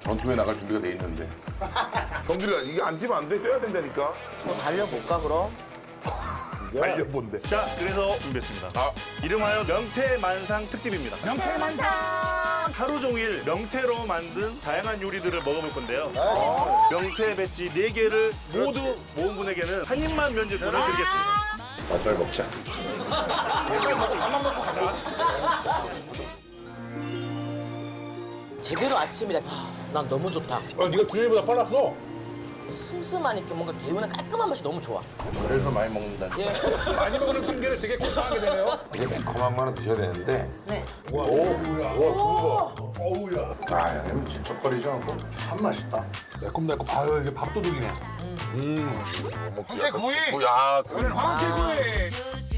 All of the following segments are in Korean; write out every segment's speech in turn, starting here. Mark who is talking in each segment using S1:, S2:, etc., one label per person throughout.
S1: 전투에 나갈 준비가 돼 있는데. 경기를 이게 안 뛰면 안 돼. 뛰어야 된다니까.
S2: 뭐 달려볼까 그럼?
S3: 달려본대.
S4: 자, 그래서 준비했습니다.
S1: 아.
S4: 이름하여 명태만상 특집입니다.
S3: 명태만상.
S4: 하루 종일 명태로 만든 다양한 요리들을 먹어볼 건데요. 명태 배지 4개를 모두 모은 분에게는 한 입만 면제권을 드리겠습니다.
S1: 빨리 먹자.
S2: 제대로 아침이다. 난 너무 좋다.
S3: 아, 네가 준현이보다 빨랐어.
S2: 슴슴한 이렇게 뭔가 개운한 깔끔한 맛이 너무 좋아.
S1: 그래서 많이 먹는다.
S2: 예.
S3: 많이 먹는 핑계를 되게 고상하게 되네요.
S1: 이게 매콤한 거는 드셔야 되는데.
S2: 네.
S1: 와, 와, 어우야. 아, 야, 질척거리지 않고 참 맛있다.
S3: 매콤달콤. 아유, 이게 밥도둑이네.
S1: 황태 구이. 야, 구이.
S3: 황태구이.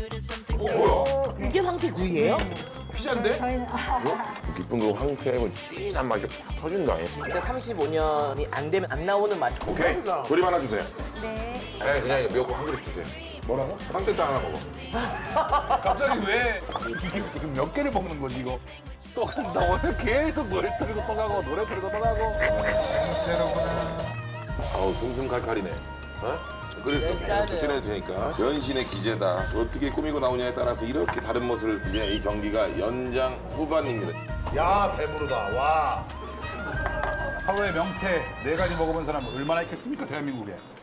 S2: 이게 황태구이예요?
S3: 피자인데?
S1: 깊은 그 황태의 진한 맛이 팍 터진다.
S2: 진짜 35년이 안 되면 안 나오는 맛.
S1: 오케이. 조림 하나 주세요. 네. 그냥 미역국 한 그릇 주세요. 뭐라고? 황태탕 하나 먹어.
S3: 갑자기 왜? 이게 지금 몇 개를 먹는 거지, 이거? 또 간다. 오늘 계속 노래 틀고 또 가고, 노래 틀고 또 가고.
S1: 아우, 둥둥 칼칼이네. 어? 그래서 계속 도전해도 되니까 연신의 기재다. 어떻게 꾸미고 나오냐에 따라서 이렇게 다른 모습을 이제 이 경기가 연장 후반입니다.
S5: 야 배부르다 와.
S3: 하루에 명태 4가지 먹어본 사람 얼마나 있겠습니까, 대한민국에?